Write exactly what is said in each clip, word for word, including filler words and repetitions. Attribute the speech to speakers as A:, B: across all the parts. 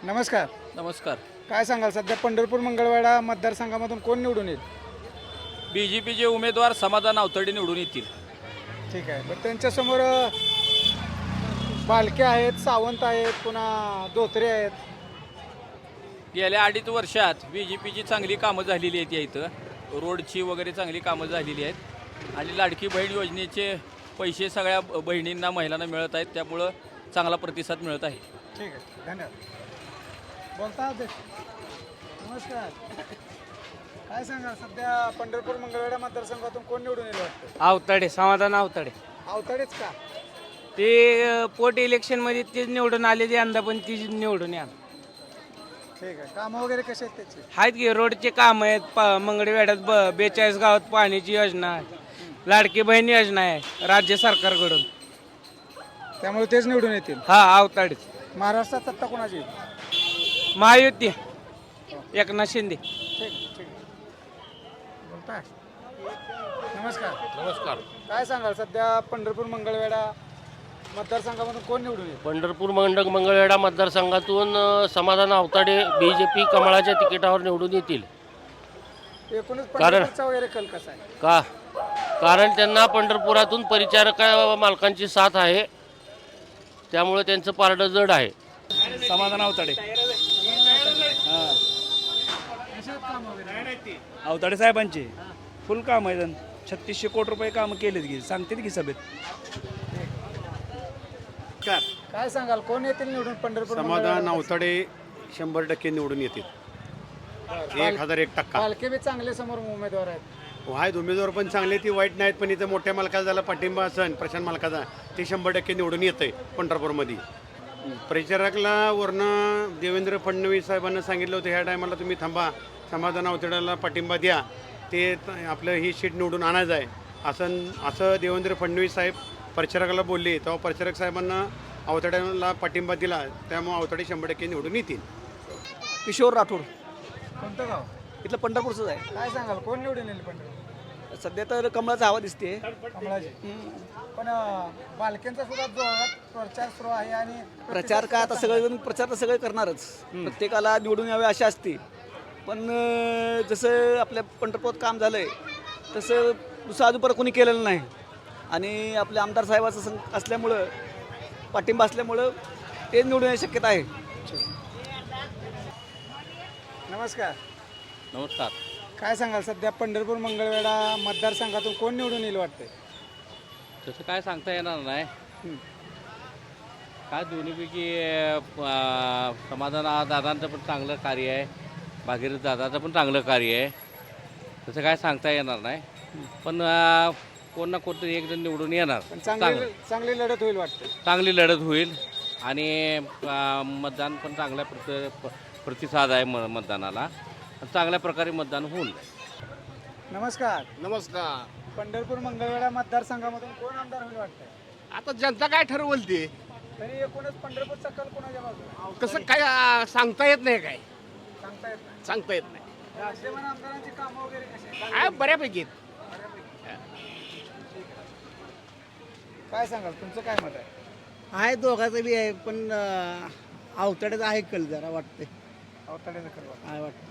A: नमस्कार.
B: नमस्कार.
A: काय सांगाल सध्या पंढरपूर मंगळवेढा मतदारसंघामधून कोण निवडून येईल?
B: बी जे पीचे उमेदवार समाधान अवतडे निवडून येतील.
A: ठीक आहे. बरं त्यांच्यासमोर अ, बालके आहेत, सावंत आहेत, पुन्हा धोत्रे आहेत.
B: गेल्या अडीच वर्षात बी जे पीची चांगली कामं झालेली आहेत या इथं. रोडची वगैरे चांगली कामं झालेली आहेत आणि लाडकी बहीण योजनेचे पैसे सगळ्या ब- बहिणींना महिलांना मिळत आहेत, त्यामुळं चांगला प्रतिसाद मिळत आहे.
A: ठीक आहे, धन्यवाद. बोलता अध्यक्ष. नमस्कार. काय सांगाल सध्या पंढरपूर मंगळवेढा मतदारसंघातून कोण निवडून येईल वाटतं?
C: आवताडे समाधान आवताडे
A: अवतडेच का?
C: ते अ, पोट इलेक्शनमध्ये तेच निवडून आले ते यंदा पण तीच निवडून या
A: ठीक आहे. कामं वगैरे कसे आहेत त्याचे?
C: आहेत की रोडचे काम आहेत पा मंगळवेढ्यात ब बेचाळीस गावात पाण्याची योजना आहे, लाडकी बहीण योजना आहे राज्य सरकारकडून.
A: त्यामुळे तेच निवडून येतील.
C: हा आवताडेच.
A: महाराष्ट्रात सत्ता कोणाची येईल?
C: महायुती एकनाथ शिंदे.
A: ठीक ठीक बोलताय. नमस्कार.
D: नमस्कार.
A: काय सांगाल सध्या पंढरपूर मंगळवेढा मतदारसंघामधून कोण निवडून येईल?
D: पंढरपूर मंडक मंगळवेढा मतदारसंघातून अ, समाधान आवताडे बी जे पी कमळाच्या तिकिटावर निवडून येतील.
A: एकूणच
D: कारण-
A: पंढरपूरचा वगैरे कल कसा आहे?
D: का कारण त्यांना पंढरपुरातून परिचारक मालकांची साथ आहे, त्यामुळे त्यांचं पारडं जड आहे.
E: समाधान अवताडे. अवताडे साहेबांचे फुल काम आहे. छत्तीसशे कोटी रुपये कामं केलेत की सांगतील की सभेत.
A: काय सांगाल कोण येतील निवडून पंढरपूर
F: समाधान
A: मंगळवेढा?
F: अवतडे शंभर टक्के निवडून येतील. एक हजार एक टक्का
A: पालखे बी चांगले समोर उमेदवार आहेत.
F: आहेत. उमेदवार पण चांगले, ती वाईट नाहीत, पण इथं मोठ्या मालकाचा झाला पाठिंबा असन प्रशांत मालकाचा, ते शंभर टक्के निवडून येतं आहे पंढरपूरमध्ये. परिचारकला वरनं देवेंद्र फडणवीस साहेबांना सांगितलं होतं ह्या टायमाला तुम्ही थांबा, समाधान अवतड्याला पाठिंबा द्या, ते त- आपलं ही सीट निवडून आणायचं आहे असं असं देवेंद्र फडणवीस साहेब परिचारकाला बोलले. तेव्हा परिचारक साहेबांना अवतड्याला पाठिंबा दिला, त्यामुळे अवतडे शंभर टक्के निवडून येतील.
G: किशोर राठोड
A: कोणतं गाव?
G: इथलं पंढरपूरचंच आहे.
A: काय सांगाल कोण निवडून येईल पंढरपूर?
G: सध्या तर कमळाचा हवा दिसते.
A: कमळाजी. पण अं, बालकेंचा सुद्धा जोरात प्रचार सुरू आहे आणि
G: प्रचार काय आता सगळेजण प्रचार तर सगळे करणारच. प्रत्येकाला निवडून यावे अशी असते. पण अं, जसं आपल्या पंढरपूरात काम झालं आहे तसं दुसरं अजूनपर्यंत कोणी केलेलं नाही. आणि आपल्या आमदार साहेबाचं सं असल्यामुळं पाठिंबा असल्यामुळं ते निवडून येण्याची शक्यता आहे.
A: नमस्कार.
B: नमस्कार.
A: काय सांगाल सध्या पंढरपूर मंगळवेढा मतदारसंघातून कोण निवडून येईल वाटतंय?
B: तसं काय सांगता येणार नाही. काय दोन्हीपैकी समाधान दादांचं पण चांगलं कार्य आहे, भागीरथ दादाचं पण चांगलं कार्य आहे. तसं काय सांगता येणार नाही, पण अ, कोण ना कोणतरी एक जण निवडून येणार.
A: पण
B: चांगलं
A: चांगली चांगली लढत होईल वाटतं.
B: चांगली लढत होईल आणि अ, मतदान पण चांगल्या प्रति प्रतिसाद आहे म मतदानाला. चांगल्या प्रकारे मतदान होईल.
A: नमस्कार.
H: नमस्कार.
A: पंढरपूर मंगळवेढा मतदारसंघामधून कोण आमदार होईल वाटतंय?
H: आता जनता काय ठरवल ते
A: तरी एकूणच पंढरपूरचा कल कोणाच्या बाजूला?
H: कसं काय आ, सांगता येत नाही, काय
A: सांगता येत नाही.
H: सांगता येत नाही.
A: विद्यमान आमदारांची कामं वगैरे कशी आहेत?
H: आहे बऱ्यापैकी.
A: काय सांगाल तुमचं काय मत आहे?
I: आहे दोघांचं बी आहे, पण अवतड्याचं आहे कल जरा वाटते.
A: अवताड्याचं कल वाटतं.
I: आहे वाटते.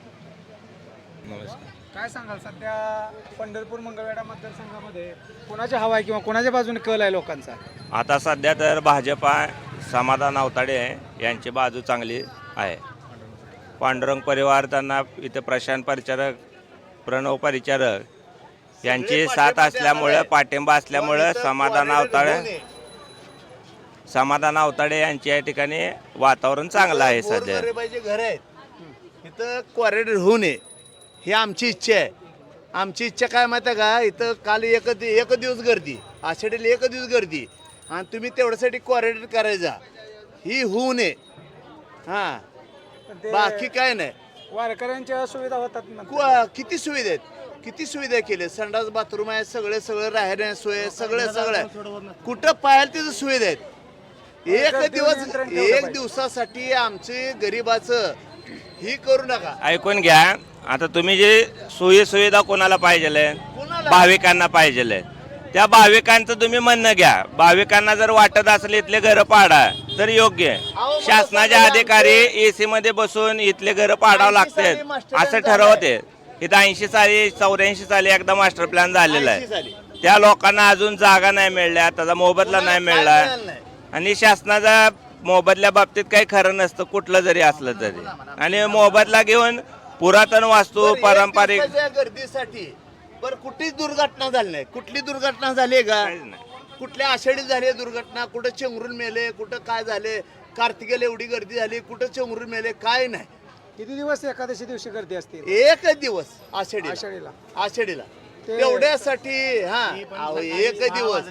A: काय सांगाल सध्या पंढरपूर मंगळवेढा मतदारसंघामध्ये कोणाची हवा आहे किंवा कोणाच्या बाजूने कल आहे लोकांचा?
J: आता सध्या तर भाजपा समाधान अवताडे यांची बाजू चांगली आहे. पांडुरंग परिवार त्यांना इथे प्रशांत परिचारक, प्रणव परिचारक यांची साथ असल्यामुळं, पाठिंबा असल्यामुळं समाधान अवताडे समाधान अवताडे यांच्या या ठिकाणी वातावरण चांगलं आहे सध्या.
H: घर आहेत इथं क्वारेंटाईन होऊ नये ही आमची इच्छा आहे. आमची इच्छा काय माहिती आहे का, इथं काल एक एक दिवस गर्दी, आषाढीला एक दिवस गर्दी, आणि तुम्ही तेवढ्यासाठी क्वारेंटाईन करायचा, ही होऊ नये. हां,
A: पण ते
H: बाकी काय नाही.
A: वारकऱ्यांच्या सुविधा होतात ना.
H: कु- किती सुविधा आहेत, किती सुविधा केल्या. संडास बाथरूम आहे, सगळे सगळं राहण्या सोय, सगळं सगळं कुठं पाहायला तिथं सुविधा आहेत. एक दिवस एक दिवसासाठी आमचे गरिबाचं ही करू नका.
J: ऐकून घ्या. आता तुम्ही जे सोयी सुविधा कोणाला पाहिजे,
H: कोणाला?
J: भाविकांना पाहिजे, त्या भाविकांचं तुम्ही म्हणणं घ्या. भाविकांना जर वाटत असले इथले घरं पाडा तर योग्य आहे. शासनाचे अधिकारी एसी मध्ये बसून इथले घरं पाडावं लागतात असं ठरवते. इथं ऐंशी साली चौऱ्याऐंशी साली एकदा मास्टर प्लॅन झालेला आहे. त्या लोकांना अजून जागा नाही मिळल्या, त्याचा मोबदला नाही मिळला. आणि शासनाचा मोबदल्या बाबतीत काही खरं नसतं कुठलं जरी असलं तरी. आणि मोबदला घेऊन पुरातन वास्तू पारंपरिक
H: गर्दीसाठी बरं कुठलीच दुर्घटना झाली नाही. कुठली दुर्घटना झाली का? कुठल्या आषाढीत झाली दुर्घटना? कुठं चेंगरून मेले, कुठं काय झाले, कार्तिकेला एवढी गर्दी झाली, कुठं चेंगरून मेले, काय नाही.
A: किती दिवस एकादशी दिवशी गर्दी असते
H: एकच दिवस आषाढी
A: आषाढीला
H: आषाढीला तेवढ्यासाठी हा अहो, एक दिवस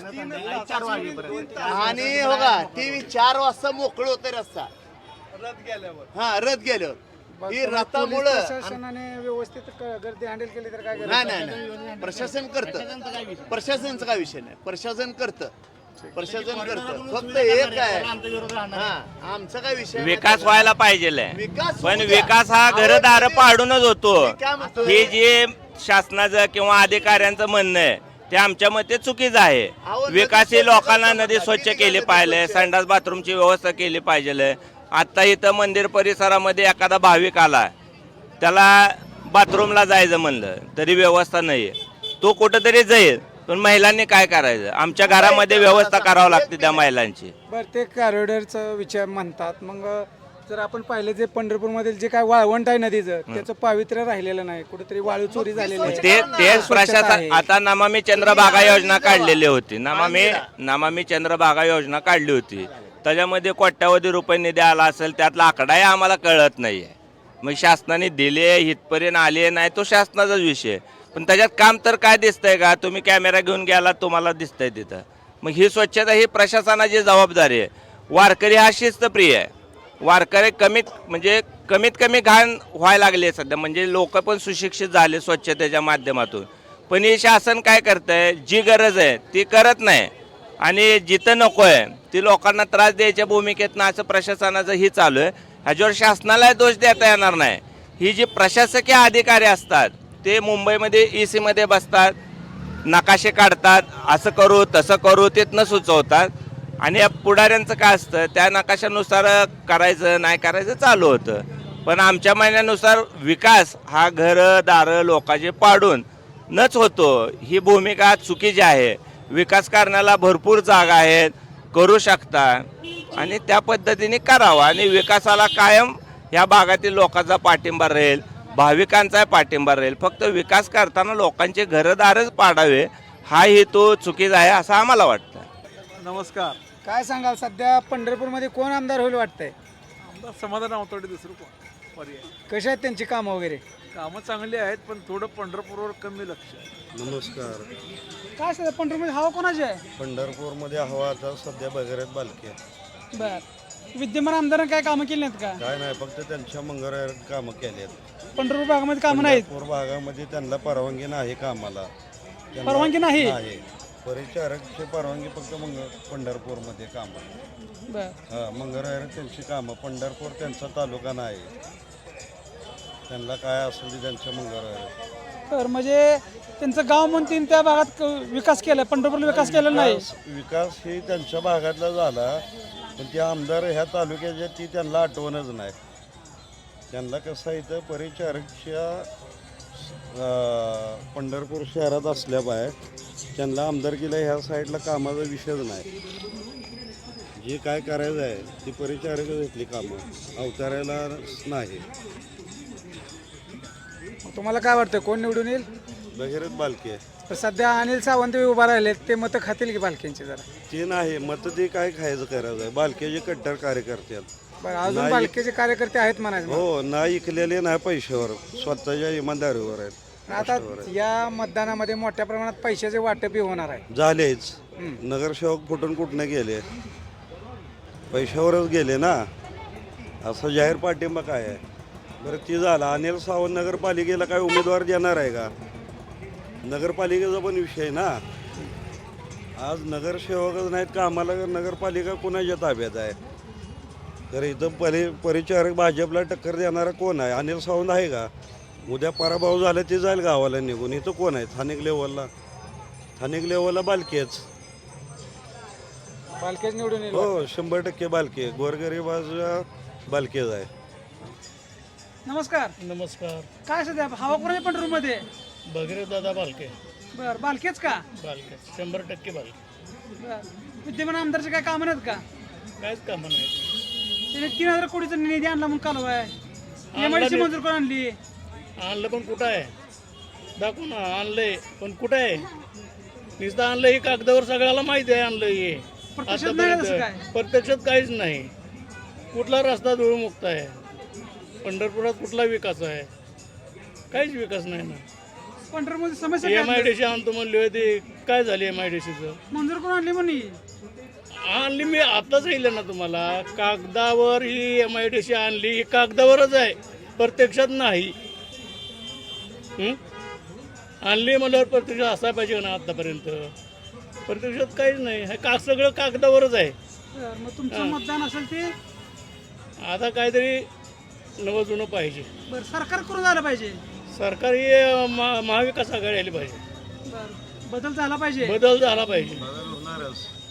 H: आणि हो का टीव्ही चार वाजता मोकळ होते रस्ता रथ गेल्यावर. हा रथ गेल्यावर ही रथामुळं
A: प्रशासनाने व्यवस्थित क- गर्दी हँडल केली तर काय
H: नाही नाही नाही प्रशासन करतं. प्रशासनचा काय विषय नाही. प्रशासन करतं प्रशासन करतं. फक्त एक आहे हा आमचा काय विषय नाही.
J: विकास व्हायला पाहिजे.
H: विकास
J: पण
H: होऊ द्या.
J: विकास हा घरदार पाडूनच होतो.
H: मी काय म्हणतोय?
J: हे जे शासनाचं किंवा अधिकाऱ्यांचं म्हणणं आहे ते आमच्या मते चुकीचं आहे.
H: अहो,
J: विकास
H: नदी
J: ही लोकांना
H: स्वच्छ
J: नदी
H: करा.
J: स्वच्छ
H: किती
J: केली
H: नदी
J: पाहिजे,
H: स्वच्छ आहे?
J: संडास बाथरूमची व्यवस्था केली पाहिजे. आता इथं मंदिर परिसरामध्ये एखादा भाविक आला, त्याला बाथरूमला जायचं म्हणलं तरी व्यवस्था नाही आहे. तो कुठंतरी जाईल, पण महिलांनी काय करायचं? आमच्या घरामध्ये व्यवस्था करावी लागते त्या महिलांची.
A: बरं ते कॉरिडॉरचं विचार म्हणतात. मग जर आपण पाहिलं जे पंढरपूरमधील जे काय वाळवंट आहे नदीचं त्याचं पावित्र्य राहिलेलं नाही, कुठेतरी वाळू चोरी झालेली आहे.
J: ते तेच
A: स्वच्छता
J: प्रशासन
A: आहे.
J: आता नमामि चंद्रभागा योजना काढलेली होती. नमामि नमामि चंद्रभागा योजना काढली होती. त्याच्यामध्ये कोट्यावधी रुपये निधी आला असेल, त्यातला आकडाही आम्हाला कळत नाहीये. मग शासनाने दिले इथपर्यंत आले नाही तो शासनाचाच विषय. पण त्याच्यात काम तर काय दिसतंय का? तुम्ही कॅमेरा घेऊन गेला तुम्हाला दिसतंय तिथं. मग ही स्वच्छता ही प्रशासनाची जबाबदारी आहे. वारकरी हा शिस्तप्रिय आहे. वारकरी कमीत म्हणजे कमीत कमी घाण व्हायला लागले सध्या. म्हणजे लोक पण सुशिक्षित झाले स्वच्छतेच्या माध्यमातून. पण हे शासन काय करतंय? जी गरज आहे ती करत नाही आणि जिथं नको आहे ती लोकांना त्रास द्यायच्या भूमिकेतनं असं प्रशासनाचं ही चालू आहे. ह्याच्यावर शासनाला दोष देता येणार नाही. ही जी प्रशासकीय अधिकारी असतात ते मुंबईमध्ये ई सीमध्ये बसतात, नकाशे काढतात, असं करू तसं करू तिथनं सुचवतात. आणि या पुढाऱ्यांचं काय असतं, त्या नकाशानुसार करायचं नाही करायचं चालू होतं. पण आमच्या म्हणण्यानुसार विकास हा घरं दारं लोकांचे पाडून नच होतो. ही भूमिका चुकीची आहे. विकास करण्याला भरपूर जागा आहेत, करू शकता आणि त्या पद्धतीने करावा. आणि विकासाला कायम या भागातील लोकांचा पाठिंबा राहील, भाविकांचा पाठिंबा राहील. फक्त विकास करताना लोकांचे घरदारच पाडावे हा हेतू चुकीचा आहे असं आम्हाला वाटतं.
A: नमस्कार. काय सांगाल सध्या पंढरपूरमध्ये कोण आमदार होईल वाटतंय?
E: आमदार समाधान अवतडे दुसरं कोण पर्याय.
A: कशी आहेत त्यांची कामं वगैरे?
E: कामं चांगली आहेत पण थोडं पंढरपूरवर कमी लक्ष आहे.
K: नमस्कार.
A: काय सध्या पंढरपूरमध्ये हवा कोणाची आहे?
K: पंढरपूरमध्ये हवा आता सध्या भगीरथ बालके.
A: बर विद्यमान आमदारांनी काय कामं केली नाहीत का?
K: काय नाही, फक्त त्यांच्या मंगळवारात कामं केली आहेत.
A: पंढरपूर भागामध्ये कामं नाहीत?
K: पंढरपूर भागामध्ये त्यांना परवानगी नाही कामाला. त्यांना-
A: परवानगी नाही?
K: नाही. परिचारकची परवानगी फक्त मंग पंढरपूरमध्ये कामं.
A: बर
K: हां मंगळवार त्यांची कामं. पंढरपूर त्यांचा तालुका नाही. त्यांना काय असेल ते त्यांच्या मंगळवार.
A: तर म्हणजे त्यांचं गाव म्हणतील त्या भागात क- विकास केला, पंढरपूरला विकास केलेला नाही.
K: विकास ही त्यांच्या भागातला झाला पण ते आमदार ह्या तालुक्याच्या ती त्यांना आठवणच नाही. त्यांना कसं इथं परिचारकच्या अं, पंढरपूर शहरात असल्यामुळे त्यांना आमदारकीला ह्या साईडला कामाचा विषयच नाही. जे काय करायचं आहे ती परिचारकच घेतली कामं, अवतारायला नाही.
A: तुम्हाला काय वाटतं कोण निवडून येईल?
K: भगीरथ बालके.
A: तर सध्या अनिल सावंत उभा राहिलेत, ते मतं खातील की बालकेंची जरा?
K: ते नाही मत ते काय खायचं करायचं आहे. बालकेचे कट्टर कार्यकर्ते आहेत.
A: बरं अजून
K: नाही.
A: बालकेचे कार्यकर्ते आहेत म्हणायचं.
K: हो नाही इकलेले नाही पैशावर, स्वतःच्या इमानदारीवर आहेत.
A: आता या मतदानामध्ये मोठ्या प्रमाणात पैशाचे वाटपही होणार आहे.
K: झालेच. नगरसेवक फुटून कुठनं गेले? पैशावरच गेले ना. असं जाहीर पाठिंबा काय आहे? बरं ती झाला. अनिल सावंत नगरपालिकेला काय उमेदवार देणार आहे का? नगरपालिकेचा पण विषय ना. आज नगरसेवकच नाहीत का आम्हाला नगरपालिका कोणाच्या ताब्यात आहे? तर इथं परि परिचारक भाजपला टक्कर देणारा कोण आहे? अनिल सावंत आहे का? उद्या पराभव झाला ते जाईल गावाला निघून. इथं कोण आहे स्थानिक लेवलला? स्थानिक लेवलला बालकेच.
A: बालकेच निवडून येईल
K: हो शंभर टक्के बालके. गोरगरिबाचा बालकेच आहे.
A: नमस्कार.
E: नमस्कार.
A: काय सध्या हवा कोणाच्या पंढरपूरमध्ये?
E: भगीरथ दादा बालके.
A: बर बालकेच का?
E: बालके शंभर टक्के बालके.
A: बर विद्यमान आमदारचे काय कामं नाहीत का?
E: काहीच कामं नाही.
A: त्याने तीन हजार कोटीचा निधी आणला म्हणून कालव आहे. एम आय डी सी मंजूर करून आणली.
E: आणलं पण कुठं आहे? दाखवू ना. आणलंय पण कुठं आहे? नुसतं आणलं हे कागदावर सगळ्याला माहिती आहे आणलं हे.
A: प्रत्यक्षात नाही तसं काय?
E: प्रत्यक्षात काहीच नाही. कुठला रस्ता धूळमुक्त आहे? पंढरपुरात कुठला विकास आहे? काहीच विकास नाही ना.
A: पंढरपूरमध्ये समस्या
E: एम आय डी सी आणतो म्हणली होती. काय झाली एम आय डी सीचं?
A: मंजूर करून आणली म्हणे.
E: आणली मी आताच सांगितलं ना तुम्हाला. कागदावर ही एम आय डी सी आणली. ही कागदावरच आहे, प्रत्यक्षात नाही. हं? आणली म्हणल्यावर प्रत्यक्षात असायला पाहिजे ना आतापर्यंत. प्रत्यक्षात काहीच नाही. हे का सगळं कागदावरच आहे.
A: बर, मग तुमचं मतदान असेल ते
E: आता काहीतरी नवं जुनं पाहिजे.
A: बर सरकार करून झालं पाहिजे.
E: सरकार ही महा- महाविकास आघाडी आली पाहिजे.
A: बर बदल झाला पाहिजे.
E: बदल झाला पाहिजे.
K: होणारच.